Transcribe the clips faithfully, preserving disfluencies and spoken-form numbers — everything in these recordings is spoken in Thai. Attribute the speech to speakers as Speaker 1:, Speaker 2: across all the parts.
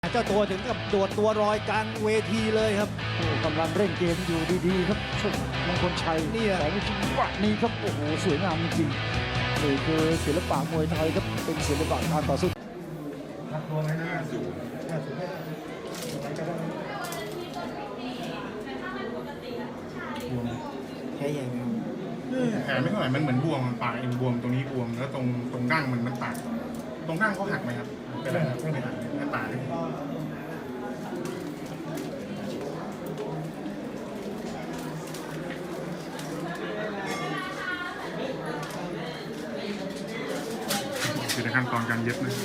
Speaker 1: เจ้าตัวถึงกับโดดตัวรอยกลางเวทีเลยครับกำลังเร่งเกมอยู่ดีๆครับชกมงคลชัยเนี่ยแต่ไม่จริงวะนี่ครับโอ้โหสวยงามจริงๆนี่คือศิลปะมวยไทยครับเป็นศิลปะการต่อสู้แค่ยัง
Speaker 2: แผลไม่เท่าไหร่มันเหมือนบวมปากเองบวมตรงนี้บวมแล้วตรงตรงดั้งมันมันตัดตรงดั้งเขาหักไหมครับเป็นอะไรครับไม่หักหน้าตาเลยคือในขั้นตอนการเย็บนะ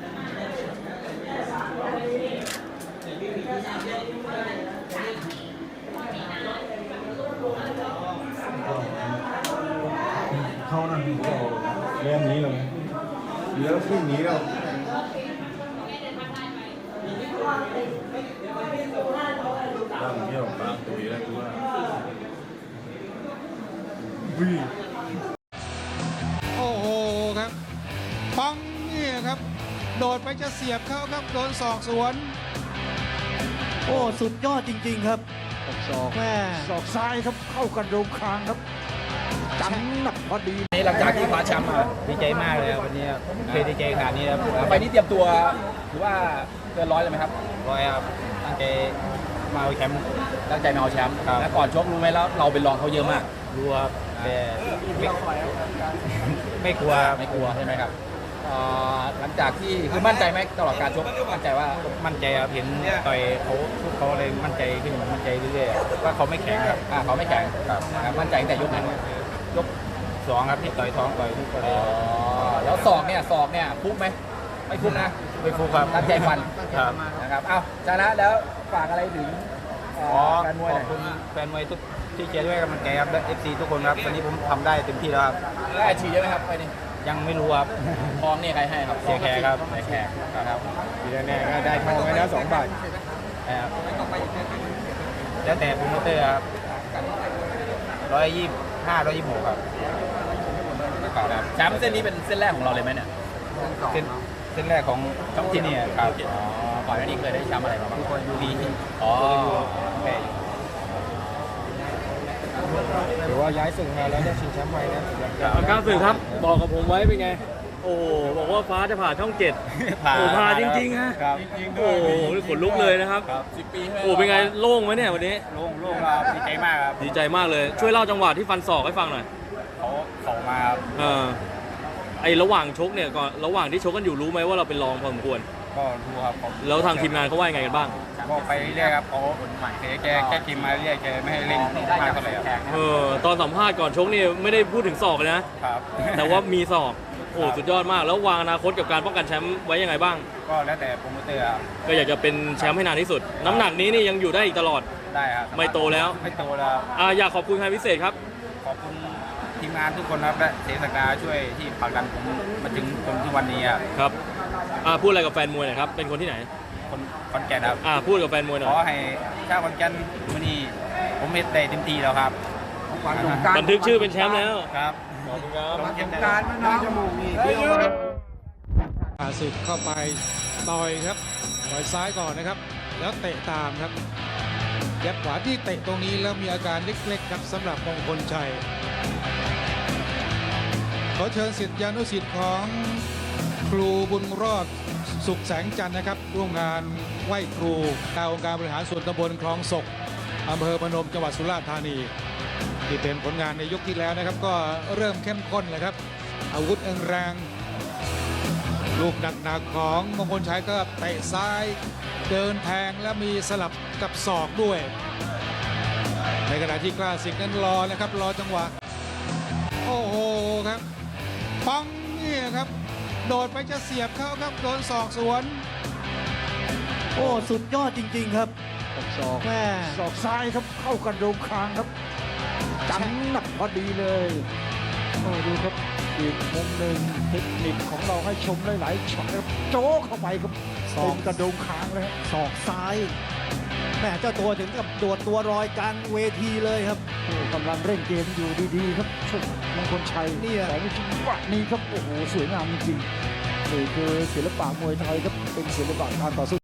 Speaker 3: เขานั่นก็เรื่องนี้เลยเดี๋ยวพรุ่งนี้เราตั้งเที่ยวตามตุยแล้วคือว่าวิ่ง
Speaker 4: โอ้โหครับปังนี่ครับโดดไปจะเสียบเข้าครับโดนศอกสวน
Speaker 1: โอ้สุดยอดจริงๆครับศอกแม่
Speaker 4: ศอกซ้ายครับเข้ากระโดงคางครับจังหนักพอดี
Speaker 5: หลังจากที่คว้าแชมป์มาดีใจมากเลยครับวันนี้เคยดีใจขนาดนี้ครับไปนี้เตรียมตัวหรือว่าเกินร้อยเลยไหมครับร้อยครับตั้งใจมาเอาแชมป์ตั้งใจมาเอาแชมป์แล้วก่อนชกรู้ไหมแล้วเราเป็นรองเขาเยอะมากรู้ครับแต่ไม่ไม่กลัวไม่กลัวใช่ไหมครับหลังจากที่คือมั่นใจไหมตลอดการชกมั่นใจว่ามั่นใจครับเห็นต่อยเขาเขาเลยมั่นใจขึ้นมั่นใจเรื่อยๆว่าเขาไม่แข็งครับอ่าเขาไม่แข็งครับมั่นใจตั้งแต่ยกไหนยกสองครับที่ต่อยท้องต่อยทุกคนแล้วศอกเนี่ยศอกเนี่ยฟุกไหมไม่ฟุกนะไม่ฟุกครับตั้งใจฟันครับนะครับเอ้าจากนั้นแล้วฝากอะไรถึงแฟนมวยขอบคุณแฟนมวยทุกที่เชียร์ด้วยกำลังใจครับและเอฟซีทุกคนครับวันนี้ผมทำได้เต็มที่แล้วครับได้อาชีพเยอะไหมครับไปนี่ยังไม่รู้ครับทองเนี่ยใครให้ครับเสียแขกครับเสียแขกครับทีแน่ๆก็ได้ทองไปแล้วสองบาทครับแล้วแต่โปรโมเตอร์ครับร้อยยี่ห้าร้อยยี่หกครับแชมป์เส้นนี้เป็นเส้นแรกของเราเลยไหมเนี่ยเส้นเส้นแรกของช่องที่นี่ครับอ๋อก่อนหน้านี้เคยได้แชมป์อะไรมาบ้างยูบีอ๋อโอเคถือว่าย้ายสึกมาแล้วได้ชิงแชมป์ใหม่นะ
Speaker 6: ก้าวสื่อครับบอกกับผมไว้เป็นไงโอ้บอกว่าฟ้าจะผ่าช่องเจ็ดโอ้ผ่าจริงๆฮะโอ้ขนลุกเลยนะครับ
Speaker 5: สิบปี
Speaker 6: โอ้เป็นไงโล่งไหมเนี่ยวันนี้
Speaker 5: โล่งโล่งครับดีใจมากครับ
Speaker 6: ดีใจมากเลยช่วยเล่าจังหวะที่ฟันศอกให้ฟังหน่อย
Speaker 5: เขาเขามาครับ
Speaker 6: เออไอระหว่างชกเนี่ยก่อนระหว่างที่ชกกันอยู่รู้ไหมว่าเราเป็นรองพอสมควร
Speaker 5: ก็รู้ครับ
Speaker 6: แล้วทางทีมงานเขาว่ายังไงกันบ้าง
Speaker 5: ก็ไปเรื่อยครับเขาแกแกแกทีมมาเรื่อยแกไม่ให้เล่นมากเท่าไหร่ครับ
Speaker 6: เออตอนสัมภาษณ์ก่อนชกนี่ไม่ได้พูดถึงศอกเลยนะครับแต่ว่ามีศอกโอ้สุดยอดมากแล้ววางอนาคตกับการป้องกันแชมป์ไว้ยังไงบ้าง
Speaker 5: ก็แล้วแต่โปรโมเตอร์ครับ
Speaker 6: ก็อยากจะเป็นแชมป์ให้นานที่สุดน้ำหนักนี้นี่ยังอยู่ได้อีกตลอด
Speaker 5: ได้ครับ
Speaker 6: ไม่โตแล้ว
Speaker 5: ไม่โตแล้ว
Speaker 6: อ่าอยากขอบคุณใครพิเศษครับ
Speaker 5: ขอบคุณทีมงานทุกคนครับและเสศักดาช่วยที่ผลักดันผมมาถึงจนทุกวันนี้ครับ
Speaker 6: ครับอ่าพูดอะไรกับแฟนมวยหน่อยครับเป็นคนที่ไหน
Speaker 5: คนขอนแก่นครับ
Speaker 6: อ่าพูดกับแฟนมวยหน่อย
Speaker 5: ขอให้ชาวขอนแก่นวันนี้ผมเฮ็ดได้เต็มที่แล้วครับ
Speaker 6: บันทึกชื่อเป็นแชมป์แล้ว
Speaker 5: ครับ
Speaker 6: ขอบคุณครับ
Speaker 5: สงการมะนาวจมูกนี่เดียว
Speaker 4: อาศึกเข้าไปต่อยครับต่อยซ้ายก่อนนะครับแล้วเตะตามครับยัดขวาที่เตะตรงนี้แล้วมีอาการเล็กๆครับสำหรับมงคลชัยขอเชิญศิษยานุศิษย์ของครูบุญรอดสุขแสงจันทร์นะครับร่วมงานไหว้ครูตามองค์การบริหารส่วนตำบลคลองศกอำเภอพนมจังหวัดสุราษฎร์ธานีที่เป็นผลงานในยกที่แล้วนะครับก็เริ่มเข้มข้นเลยครับอาวุธแรงลูกหนักๆของมงคลชัยก็เตะซ้ายเดินแทงและมีสลับกับศอกด้วยในขณะที่กล้าศึกนั้นรอนะครับรอจังหวะโอ้โหครับปังนี่ครับโดดไปจะเสียบเข้าครับโดนศอกสวน
Speaker 1: โอ้สุดยอดจริงๆครับ
Speaker 4: ศอกแม่ศอกซ้ายครับเข้ากระโดงคางครับจังหนักพอดีเลยโอ้ดูครับอีกมุมหนึ่งเทคนิคของเราให้ชมหลายๆช็อตครับโจ๊กเข้าไปครับศอกกระโดงคางเลย
Speaker 1: ศอกซ้ายแม่เจ้าตัวถึงกับโดดตัวรอยกลางเวทีเลยครับ
Speaker 4: กำลังเร่งเกมอยู่ดีๆครับชกมงคลชัยเนี่ยแต่ไม่จริงวะนี่ครับโอ้โหสวยงามจริงๆนี่คือศิลปะมวยไทยครับเป็นศิลปะการต่อสู้